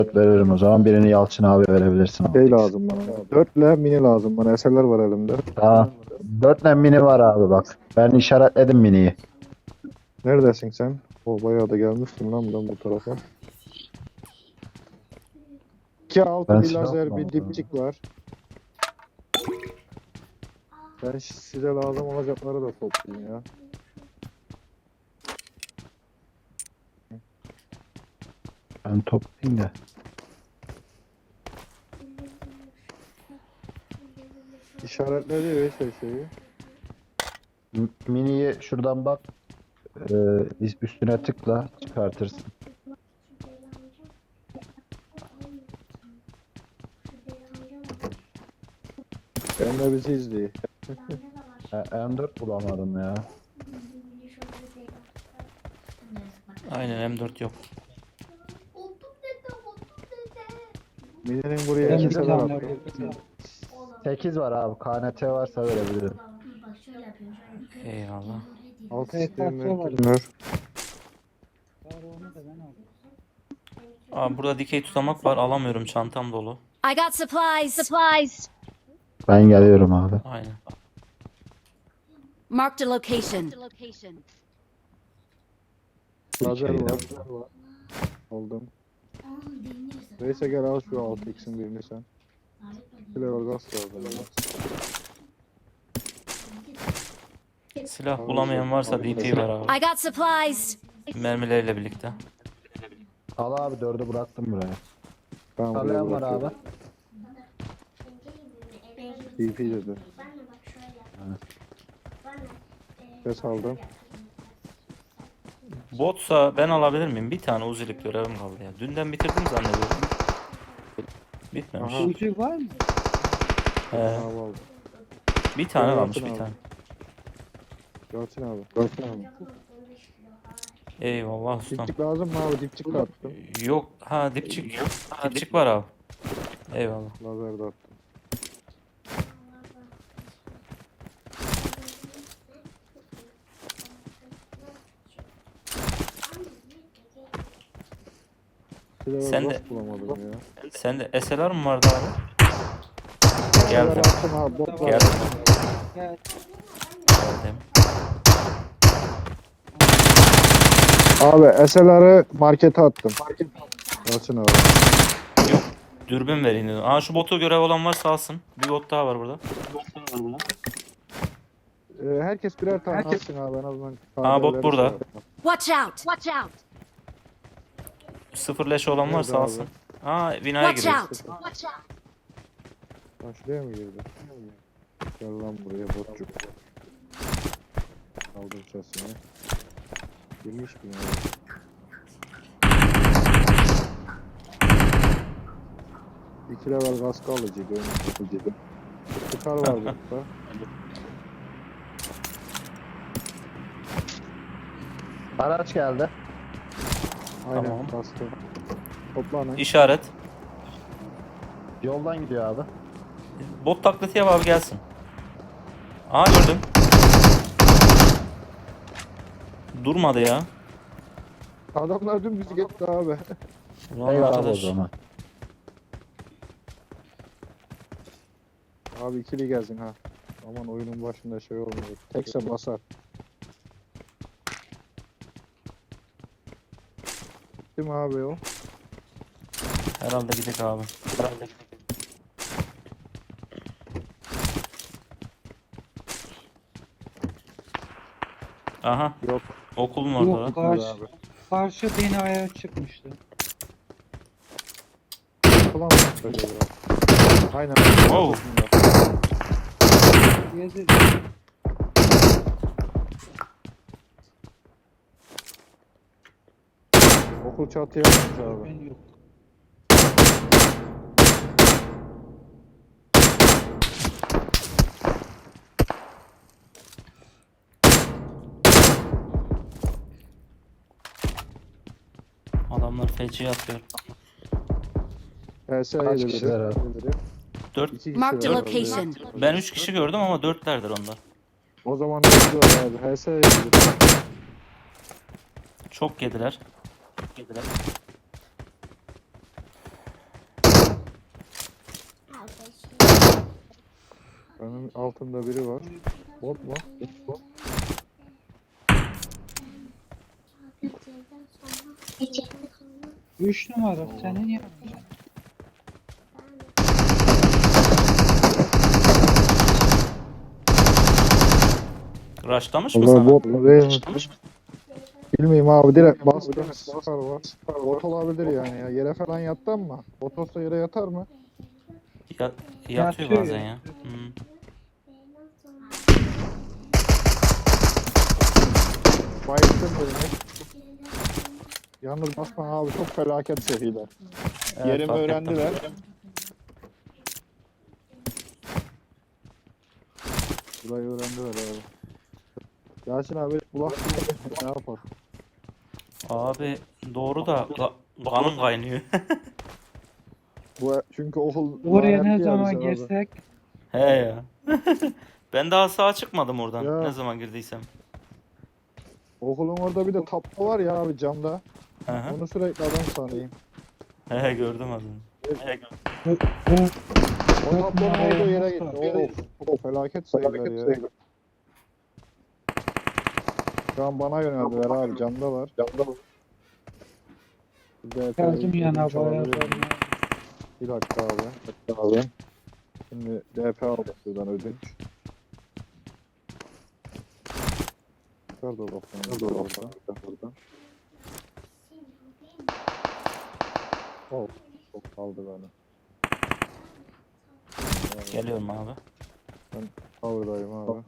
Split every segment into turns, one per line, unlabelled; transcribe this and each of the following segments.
Veririm o zaman. Birini Yalçın abi verebilirsin abi.
Şey lazım bana. 4 ile mini lazım bana. Eserler var elimde.
Tamam. 4 mini var abi bak. Ben işaretledim miniyi.
Neredesin sen? O bayağı da gelmişsin lan ben bu tarafa. 2-6
Ben
bir
silah
lazer bir
almadım.
dipçik var. Ben size lazım olacakları da toplayayım ya.
Ben toplayayım da.
İşaretledi ve şeyi.
Miniyi şuradan bak. Üstüne tıkla çıkartırsın.
Ben de bizi izliyor.
M4 bulamadım ya.
Aynen M4 yok.
Mine'nin buraya
Ben bir
eserler
tane
attım.
8 var abi. KNT varsa verebilirim.
Eyvallah.
Alt
Evet,
sistemler
var.
kimler?
Onu da ben aldım.
Aa, burada dikey tutamak var. Alamıyorum. Çantam dolu.
I got supplies.
Ben geliyorum abi.
Aynen.
Marked a location.
Lazer
Şeyden.
var. Aldım. Neyse gel al şu 6x'in birini sen. Flavor gaz lazım.
Silah bulamayan varsa DP ver abi.
I got supplies.
Mermileriyle birlikte.
Al abi 4'ü bıraktım buraya.
Tamam buraya
Alayan var
bırakıyorum.
abi.
DP dedi. Ses aldım.
Botsa ben alabilir miyim? Bir tane uzilik görevim kaldı ya. Dünden bitirdim zannediyorum. Bitmemiş.
Aha.
Ucu var mı?
He,
Abi aldım.
bir tane
Yalçın
kalmış bir
abi.
tane.
Yalçın abi. Yalçın abi.
Eyvallah ustam.
Dipçik lazım mı abi? Dipçik de attım.
Yok. Ha dipçik. Dipçik var abi. Eyvallah.
Lazer de attım. Flavor
Sen
gaz
de-
bulamadım ya.
Sende SLR mı vardı abi? Geldim.
Attım abi. Bot var.
Geldim.
Gel.
Geldim.
Abi SLR'ı markete attım. Yalçın abi.
Yok. Dürbün vereyim dedim. Aa şu botu görev olan varsa alsın. Bir bot daha var burada.
Herkes birer tane atsın abi en azından.
Aa, bot
KD'leri
burada.
şey yapma.
Watch out.
Sıfır leş olan varsa
Nerede
alsın. Aa binaya
Watch
giriyor.
out.
Lan şuraya mı girdi? Gel lan buraya botçuk. Aldım sesini. Girmiş mi ya? İki level gaz kalıcıydı. Çıkar var burada.
Araç geldi.
Aynen
Tamam.
bastı. Toplanın.
İşaret.
Yoldan gidiyor abi.
Bot taklidi yap abi gelsin. Aa gördüm. Durmadı ya.
Adamlar dümdüz gitti abi.
Ulan
Eyvallah o
arkadaş.
zaman.
Abi ikili gezin ha. Aman oyunun başında şey olmuyor. Tekse basar. Değil mi abi o?
Herhalde gidelim abi. Aha.
Yok.
Okulun orada.
Yok,
lan.
karşı binaya çıkmıştı.
Falan mı? Böyle biraz. Aynen.
Wow.
Gezir.
Okul çatıya atmış abi.
Ben yok.
Adamlar feci atıyor.
HS'ye
Kaç
de
kişiler
biri.
abi?
Dört.
İki
Marked a
kişi var.
location.
Ben 3 kişi gördüm ama 4'lerdir onlar.
O zaman bekliyor abi. HS'ye de biri.
Çok yediler.
Benim altımda biri var. Bot mu? Bot.
3 numara senin yanında.
Rushlamış mı
Allah
sana?
bot mu değil mi? Bilmiyorum abi, direkt bastım. Sıkar var. Bot olabilir yani ya. Yere falan yattı mı? Bot olsa yere yatar mı?
Ya,
Yatıyor
yatıyor bazen
ya.
ya. Hmm.
Bayıldım birini. Yalnız basma abi, çok felaket seriler.
Evet,
Yerimi
fark ettim.
öğrendiler. Burayı öğrendiler abi. Yasin abi bulak ne yapar?
Abi doğru da kanım kaynıyor.
Bu çünkü okul
Oraya ne
lanetli ya
zaman
bize abi.
girsek
He ya. Ben daha sağa çıkmadım oradan.
Ya.
Ne zaman girdiysem.
Okulun orada bir de tablo var ya abi, camda.
Hı hı.
Onu sürekli adam sanayım.
He gördüm adını.
O tablonun olduğu yere gitti. Of felaket sayılar ya. Şu an bana yöneldiler abi, camdalar.
geldim yana bayağı.
Bir dakika abi. Şimdi DP aldık buradan ödünç. Nerede o lafını? Nerede o lafını? Çok kaldı beni.
Geliyorum abi.
Cover'dayım abi.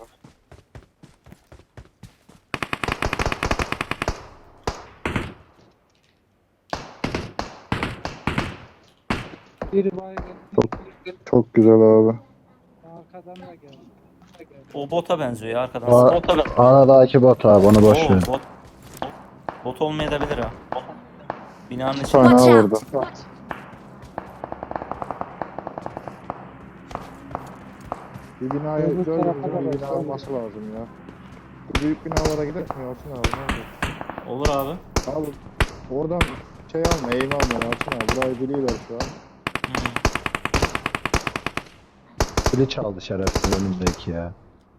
Biri baygın.
Çok güzel abi.
Arkadan da geldi.
O bota benziyor ya arkadan.
Anadaki bot abi, onu boş
Oo,
ver.
bot olmayabilir ha. Binanın
Bir
içinde.
tane
Watch
daha
out.
vurdu. Bir binaya
Öbür
gördüğümüz
tarafa da
bir bina
baksana.
olması lazım ya. Bu büyük binalara gidelim mi Yalçın abi? Ne olur?
Olur abi.
Abi oradan şey alma, eğim alma Yalçın abi. Burayı biliyorlar şu an.
Hmm.
Pili çaldı şerefsiz önümdeki ya.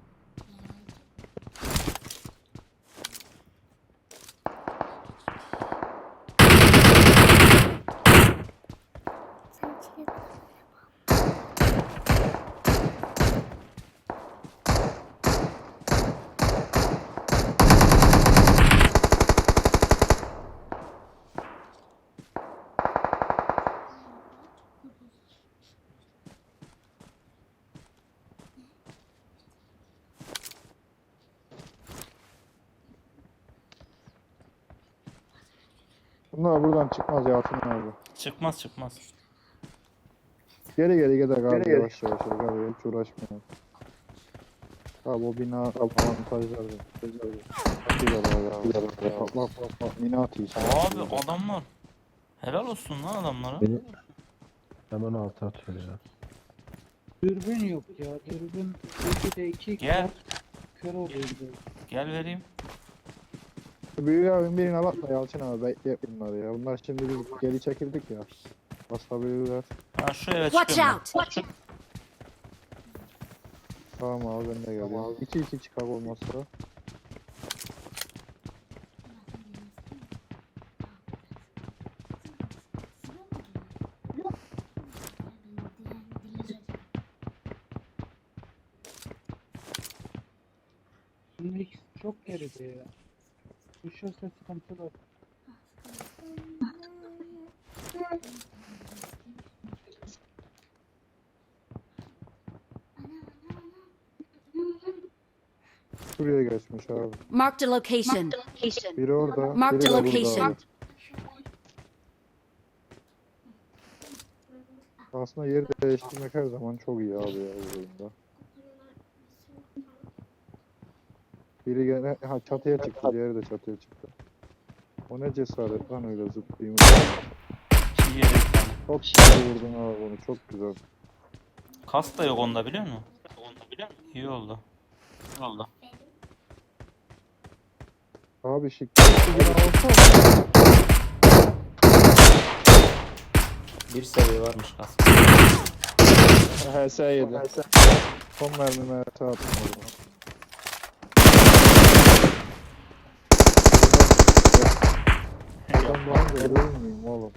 Bunlar buradan çıkmaz Yalçın abi.
Çıkmaz.
Geri gidelim abi, yavaş yavaş. Abi hiç uğraşmayalım. Abi o bina avantajları. Güzel abi. Bak. Bina atıyor.
Abi adamlar. Helal olsun lan adamlara.
Beni hemen altı atıyor ya.
Dürbün yok ya. Dürbün 2'de 2
Gel.
kör oluyor.
Gel vereyim.
Büyük abim birine bakma Yalçın abi, bekle bunları ya. Bunlar şimdi biz geri çekildik ya. Basabilirler.
Ha şu eve
Watch
çıkıyorum
out.
Tamam abi, ben de geliyorum. 2-2 çıkar olmazsa.
Şimdi ikisi çok geride ya. Düşerse sıkıntı var.
Şuraya geçmiş abi.
Marked a location.
Biri orada,
Marked
biri
a
de burada
location.
abi. Aslında yeri değiştirmek her zaman çok iyi abi ya bu oyunda. Biri gene çatıya çıktı, diğeri de çatıya çıktı. O ne cesaret lan öyle zıplayayım.
İki yere bir tane.
Çok güzel vurdun abi onu, çok güzel.
Kas da yok onda biliyor musun? İyi oldu.
Abi şık. Bir alsana.
Bir seviye varmış kas.
HS yedi. Son mermimi HS attım orada. Ben bana görür müyüm oğlum?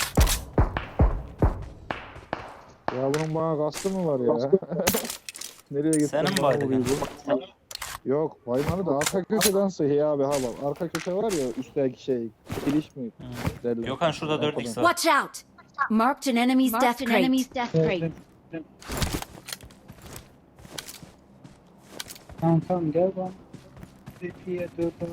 Ya bunun bana kastı mı var ya? Nereye gittin?
Senin mi
bana
baydı
vuruyor bu? Yok baymadı da arka köşeden sıhhi abi ha bak. Arka köşe var ya üstteki şey. Kiliş mi? Derler.
Gökhan şurada 4x var.
Watch out! Marked an enemy's death crate.
Gördüm. Tamam gel bana. Zekiye 4 abi.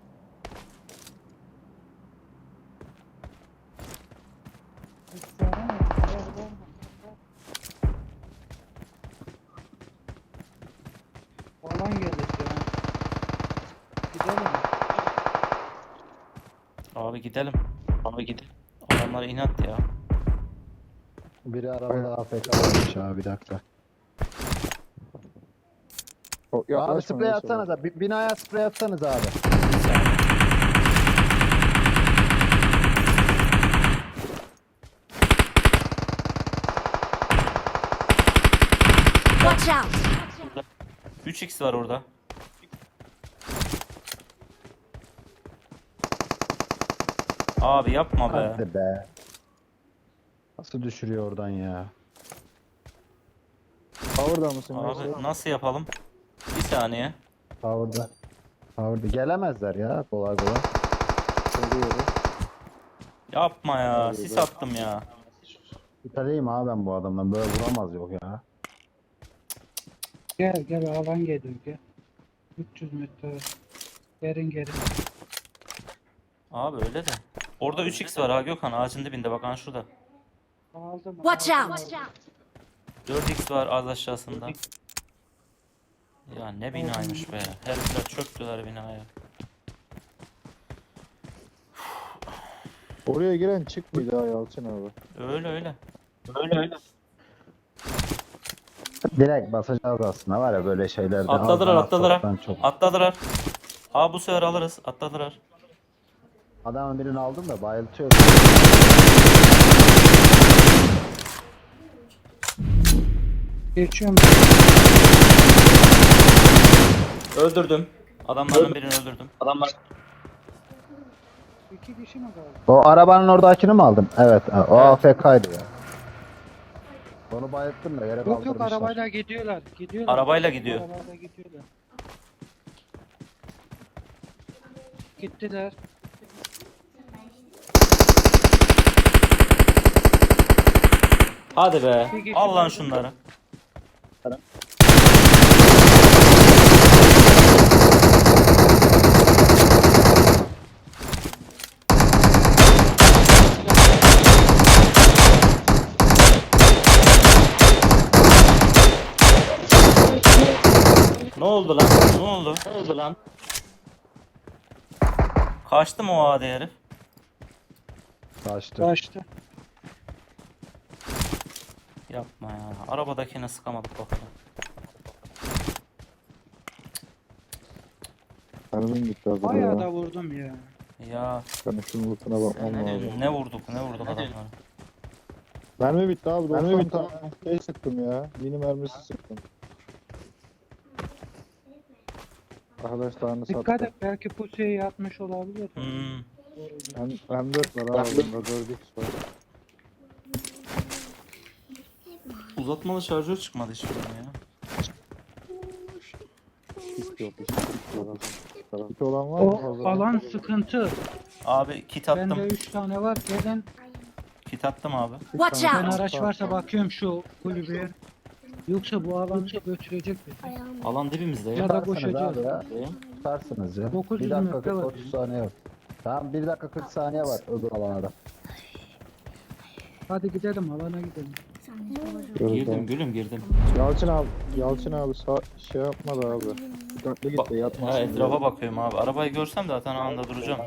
Falan gelecek ya. Gidelim.
Abi gidelim. Abi gidelim. Adamlar inat ya.
Biri arabada AFK olmuş abi, bir dakika. Abi
Yaklaşma
sprey
neyse
atsanız da binaya sprey atsanız abi.
Watch out!
3x var orada. Abi yapma be.
Hadi be. Nasıl düşürüyor oradan ya?
Power'da mısın?
Abi nasıl yapalım? Bir saniye.
Power'da. Power'da. Gelemezler ya kolay kolay.
Geliyorum.
Yapma ya. Sis attım ya.
Şüpheliyim abi ben bu adamdan. Böyle vuramaz yok ya.
Gel alan geliyor gel. 300 metre. Gelin.
Abi öyle de. Orada 3x var ha Gökhan. Ağacın dibinde bak ha şurada.
Aldım.
Watch
aldım,
out!
aldım.
4x var az aşağısında. Ya ne binaymış be. Herifler çöktüler binaya.
Oraya giren çık mıydı ha Yalçın abi?
Öyle öyle.
Direkt basacağız aslında var ya böyle şeylerde.
Atladılar
Alttan çok.
Atladılar. Aa bu sefer alırız. Atladılar.
Adamın birini aldım da bayıltıyor.
Geçiyorum.
Öldürdüm. Adamların birini öldürdüm.
İki kişi mi kaldı?
O arabanın oradakini mi aldın? Evet. O AFK'ydı ya. Onu bayılttım da yere
Yok
kaldırmışlar.
arabayla gidiyorlar.
Arabayla gidiyor.
Arabayla gidiyorlar. Gittiler.
Hadi be.
Bir kişi
Al lan
kaldı.
şunları. Ne oldu lan? Ne oldu lan? Kaçtı mı o adi herif?
Kaçtı.
Kaçtı.
Yapma ya. Arabadakine sıkamadık bakalım.
Hanımın gitti abi.
Bayağı da vurdum ya.
Ya
Ben şunun lootuna bakmam
ne
lazım.
diyorsun? Ne vurduk adamları.
Mermi bitti abi. Mermi bitti. Şey sıktım ya. Mini mermisi sıktım. Arkadaşlarını
Dikkat
sattım.
et belki pusuya yatmış olabilir.
Hmm.
M4 var abi. Bunda 4x var.
Uzatmalı şarjör çıkmadı hiç bunun ya.
Hiç yok. Hiç yok. Hiç olan var mı?
O
Fazla?
alan sıkıntı.
Abi kit
Bende
attım.
3 tane var. Gelin.
Kit attım abi.
Watch
Ben
out!
araç varsa bakıyorum şu kulübeye. Yoksa bu alan götürecek bizi.
Alan dibimizde ya.
Ya da
Tutarsınız
boşacağız.
abi ya. Tutarsınız ya.
900
1 dakika
metre
40
var.
30 saniye var. Tamam 1 dakika 40 saniye var öbür alana.
Hadi gidelim alana gidelim.
Girdim gülüm girdim.
Yalçın abi şey yapmadı abi. Dikkatli git de yatmasın.
Ha, etrafa bakıyorum abi. Arabayı görsem zaten anında duracağım.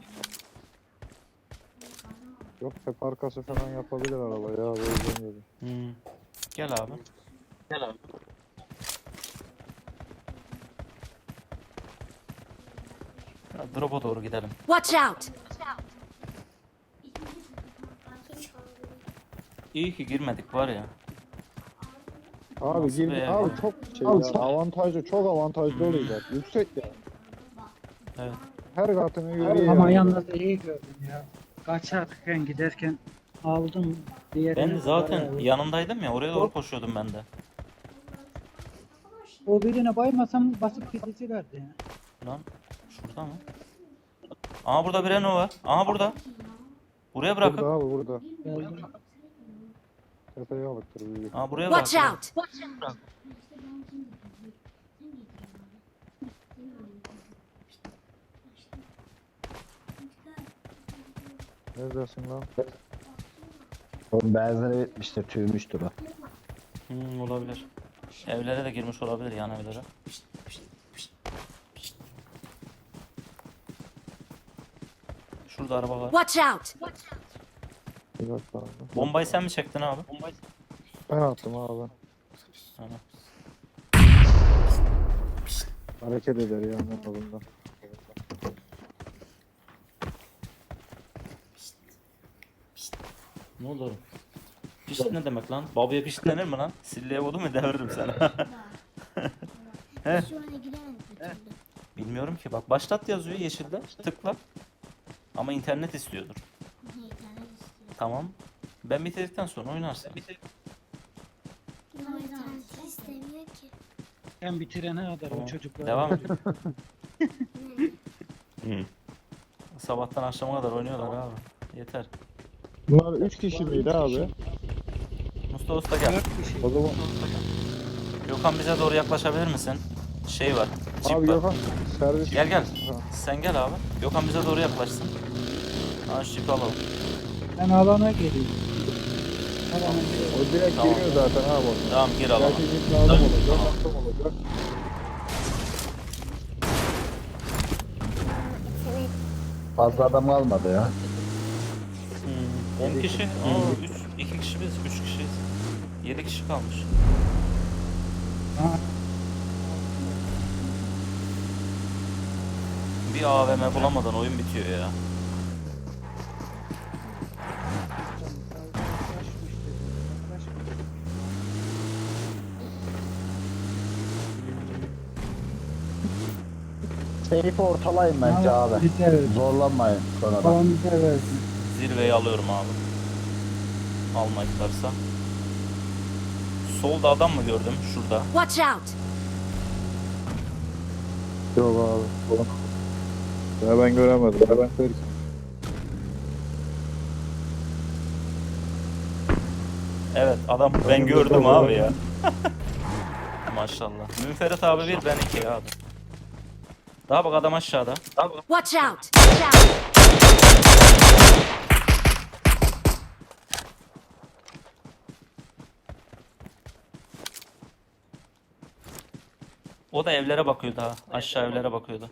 Yok hep arkası falan yapabilir araba ya. O yüzden dedim.
Hmm. Gel abi. Ya, drop'a doğru gidelim.
Watch out!
İyi ki girmedik var ya.
Abi
Nasıl
girdi.
be?
Abi çok şey ya. Avantajlı, çok avantajlı oluyor. Yüksek ya.
Evet.
Her katını görüyor.
Ama
yani.
yalnız iyi gördüm ya. Kaçarken giderken aldım diğerini.
Ben zaten
bayağı-
yanındaydım ya, oraya doğru koşuyordum ben de.
O birine baymasam basıp gidicilerdi ya.
Lan şurada mı? Aha burada bir Renault var. Aha burada. Buraya
Burada
bırakın.
abi burada.
Geldim.
Tepeye alıktır büyük.
Aha buraya
Watch
bırakın.
out!
Neredesin lan?
Oğlum benzeri bitmiştir, tüymüştür o.
Olabilir. Evlere de girmiş olabilir, yan evlere. Şurada araba var.
Watch out!
Bir dakika abi.
Bombayı sen mi çektin abi?
Ben attım abi.
Tamam.
Hareket eder yani en azından.
Ne oldu oğlum? Pişt ne demek lan? Babaya pişt denir mi lan? Silleye vurdu mu deviririm sana.
Şu ana giremedim bir türlü.
Bilmiyorum ki, bak başlat yazıyor yeşilde. Tıkla. Ama internet istiyordur.
Niye internet istiyor?
Tamam. Ben bitirdikten sonra oynarsın.
Ama internet istemiyor ki.
Sen bitirene kadar
Tamam.
o çocuklar.
Devam et. Sabahtan akşama kadar oynuyorlar abi. Yeter.
Bunlar 3 kişi miydi abi?
Mustafa Usta gel.
4 kişi.
O zaman
Gökhan bize doğru yaklaşabilir misin? Şey var. Cip
abi
var.
Gökhan servis.
Gel gel.
Ha.
Sen gel abi. Gökhan bize doğru yaklaşsın. Ha şu cipi alalım.
Ben alana geleyim. Alana geleyim.
O direkt
Tamam.
giriyor zaten abi orada.
Tamam gir alalım.
Belki bir lazım olacak. Lazım olacak.
Fazla adam kalmadı ya.
10 kişi. 2 kişi biz. 3 kişiyiz. 7 kişi kalmış.
Ha,
Bir AVM bulamadan oyun bitiyor ya.
Seyfi ortalayın bence
Ha,
abi.
bize verdi.
Zorlanmayın sonradan.
Falan bize verdi.
Zirveyi alıyorum abi. Almayıklarsa. Solda adam mı gördüm? Şurada.
Watch out!
Yok abi. Ya ben göremedim. Ya ben görmedim.
Evet adam ben gördüm abi ya. Maşallah. Münferit abi bir, ben 2 abi. Daha bak adam aşağıda.
Watch out! Watch out!
O da evlere bakıyordu ha. Aşağı evlere bakıyordu.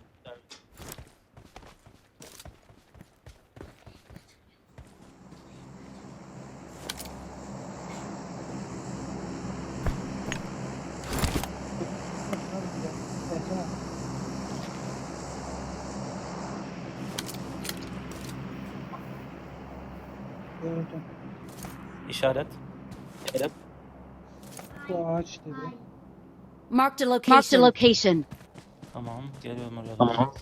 Gördüm.
İşaret.
Bu ağaç dedi.
Marked a location. Marked a location.
Tamam geliyorum oraya. Tamam.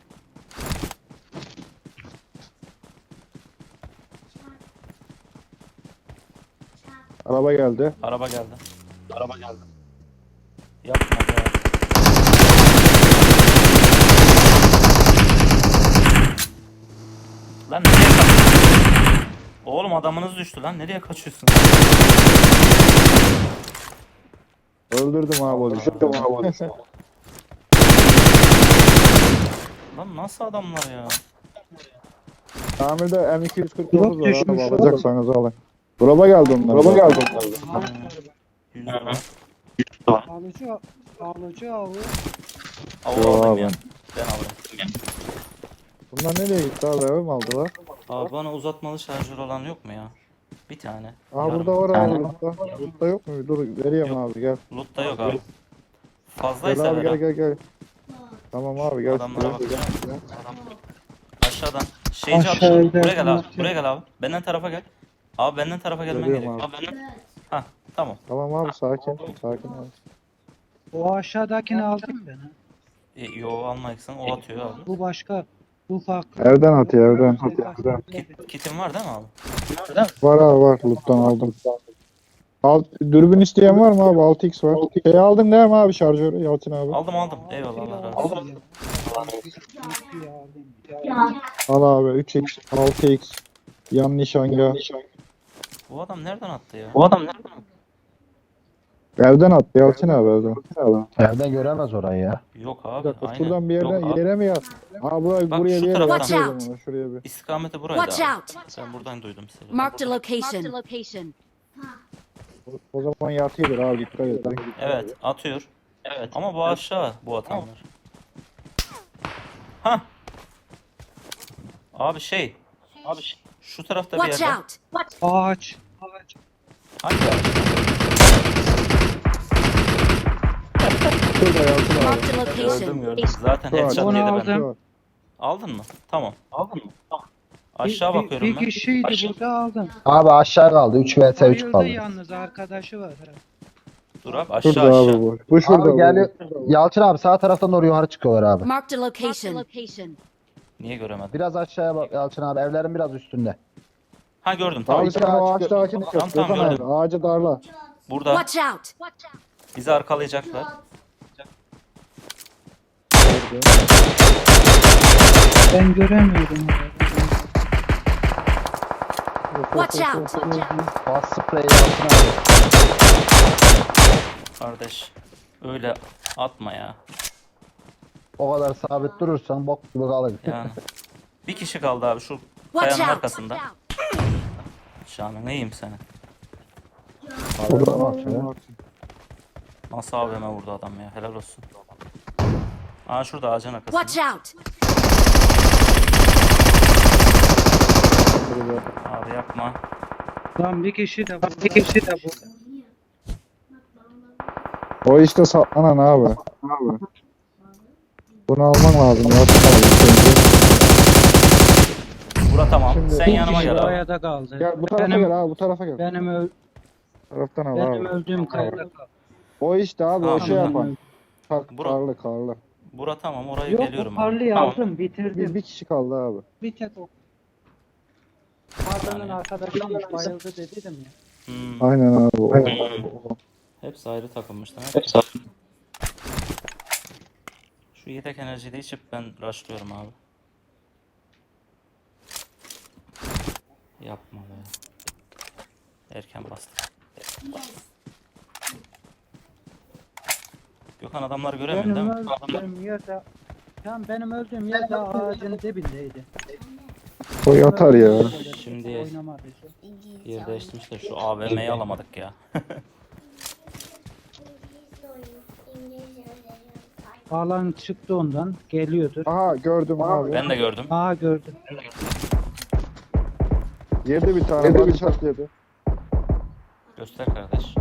Araba geldi.
Araba geldi. Yapma be. Lan nereye kaçıyorsun? Oğlum adamınız düştü lan. Nereye kaçıyorsun?
Öldürdüm abi onu.
Lan nasıl adamlar ya?
Tamirde M249
Drop
var
düşmüş.
abi, alacaksanız alın. Drop'a geldi onlar. Drop'a geldi onlar.
Yüz dolar.
Alıcı avı.
Av
Yo
alayım
abi.
ya. Ben alayım.
Bunlar nereye gitti abi, eve mi aldılar?
Abi bana uzatmalı şarjör olan yok mu ya? Bir tane.
Aa
Yarım.
burada var abi. Burada yok mu? Dur vereyim
Yok.
abi gel.
Loot'ta yok abi.
Gel
Fazlaysa
abi
ver
gel
ha.
gel gel. Tamam abi gel.
Adamlara bak.
Gel.
Aşağıdan. Şeyci abi.
Aşağıda
Buraya gel abi.
yapmak
Buraya gel abi. Benden tarafa gel. Abi benden tarafa gelmen
Geliyorum
gerekiyor.
abi.
Abi benden... Hah, tamam.
Tamam abi sakin. Sakin abi.
O aşağıdakini aldım ben ha.
Yo almayacaksın. O atıyor abi.
Bu başka. Bu farklı.
Evden atıyor evden.
Kitin var değil mi abi?
Var abi var. Loot'tan aldım. Dürbün isteyen var mı abi? 6x var. Şey aldın değil mi abi şarjörü Yalçın abi?
Aldım. Eyvallah Allah razı olsun.
Al abi 3x, 6x. Yan nişanga.
Bu adam nereden attı ya?
Evden attı Yalçın abi evden.
Evden göremez orayı ya.
Yok
Bir
abi.
dakika
Aynen.
şuradan bir yerden
Yok abi.
yere mi yat? Abi buraya,
Bak,
buraya
şu
bir yere
taraftan.
yat.
Watch out.
Ona, şuraya bir.
İstikameti buraydı
Watch
abi.
out!
Ben buradan duydum seni.
Marked a location.
O zaman yatıyordur abi dikkat et.
Evet atıyor. Evet. Ama bu aşağı bu atanlar. Ha. Abi şu tarafta bir
Watch
yerde.
out!
Ağaç.
Hangi ağaç?
Şurada Yalçın abi.
Marked a
Gördüm.
location.
Zaten
Şu ağaç.
headshot
Onu
yedi
aldım.
benden. Aldın mı? Tamam. Aşağı bakıyorum
Bir
ben.
kişiydi burada aldım.
Abi aşağı kaldı. 3 vs 3
Bayıldı
kaldı.
yalnız arkadaşı var.
Dur abi aşağı
Şurada abi
aşağı.
bu. Bu şurada.
Abi geliyor. Yalçın abi sağ taraftan doğru yukarı çıkıyorlar abi.
Marked a location.
Niye göremedim?
Biraz aşağıya bak Yalçın abi. Evlerin biraz üstünde.
Ha gördüm tamam.
Abi sen o ağaçtakini
Tamam,
kes.
tamam,
Gökhan abi,
gördüm.
ağacı darla.
Burada
Watch out!
bizi arkalayacaklar.
Ben göremiyorum.
Watch out!
Bas spreyi Yalçın abi.
Kardeş öyle atma ya.
O kadar sabit durursan bok gibi kalır.
Yani. Bir kişi kaldı abi şu
Watch
kayanın
out!
arkasında. Şahane neyim seni?
Burada bak şöyle.
Nasıl AVM vurdu adam ya helal olsun. Aa şurada ağacın arkasında.
Watch out!
Abi yapma.
Lan bir kişi de burada.
O işte saklanan abi. Bunu alman lazım Yalçın abi.
Bura tamam.
Şimdi-
Sen
Bir
yanıma
kişi
gel abi.
Kayada kaldı.
Gel bu tarafa gel abi bu tarafa gel. Taraftan al
Benim
abi.
öldüğüm kayada kaldı.
O işte abi o
Tamam.
şey yapan.
Bura-
Karlı karlı.
Bura tamam oraya
Yok
geliyorum
o
abi.
parlıyı
Tamam.
aldım bitirdim.
Bir kişi kaldı abi.
Bir tek o. Pardon'un arkadaşıymış bayıldı dedim ya.
Hmm.
Aynen abi. O.
Hepsi ayrı takılmışlar. Şu yedek enerjiyi de içip ben rushlıyorum abi. Yapma be. Erken bastım. Gökhan adamları göremiyor değil
Benim
mi?
öldüğüm yerde benim öldüğüm yerde ağacın dibindeydi.
O yatar ya.
Şimdi
Oynamadı.
yer değiştirmişler. Şu AVM'yi alamadık ya.
Alan çıktı ondan. Geliyordur.
Aha gördüm abi.
Ben de gördüm.
Aa gördüm.
Yedi bir tane. Body shot yedi.
Göster kardeş.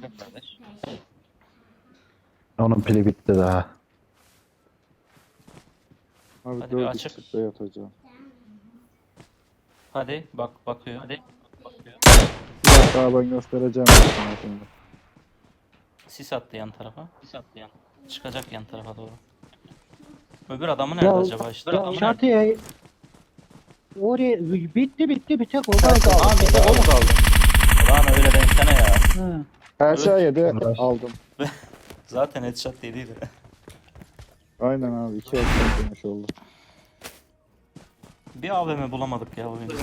Onun pili bitti daha.
Abi
Hadi bir
4
açık.
çıktı yatacağım.
Hadi bakıyor. Hadi.
Bir dakika ben göstereceğim. sana şimdi.
Sis attı yan tarafa. Çıkacak yan tarafa doğru. Öbür adamı nerede acaba işte?
Çatıya oraya bitti bir tek o kaldı.
Aa bir de o mu kaldı? Ulan öyle demesene ya.
Ha.
Her şey yedi aldım.
Zaten headshot dediydi.
Aynen abi 2 ekran demiş oldu.
Bir AVM bulamadık ya oyunda.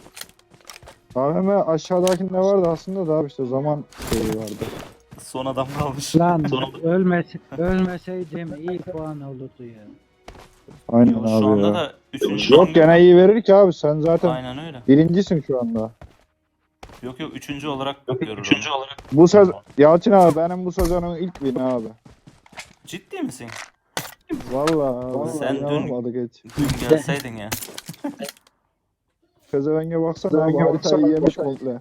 AVM aşağıdakinde vardı aslında da abi işte zaman şeyi vardı.
Son adam kalmış.
Lan ölmeseydim iyi puan olurdu ya.
Aynen
Yo,
abi
şu anda
ya.
da 3.
Yok gene iyi verir ki abi sen zaten
Aynen öyle.
birincisin şu anda.
Yok 3. olarak görür onu.
Bu söz Yalçın abi benim bu sezonun ilk win abi.
Ciddi misin?
Vallahi
Sen dün-
yapmadık hiç.
Dün gelseydin ya.
Pezevenge baksana abi haritayı yemiş komple.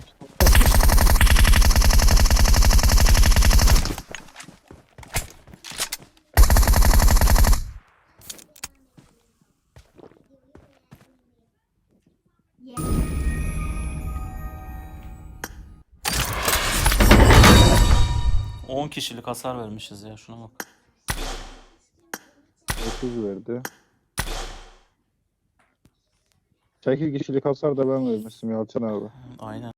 10 kişilik hasar vermişiz ya, şuna bak.
30 verdi. 8 kişilik hasar da ben vermiştim Yalçın abi.
Aynen.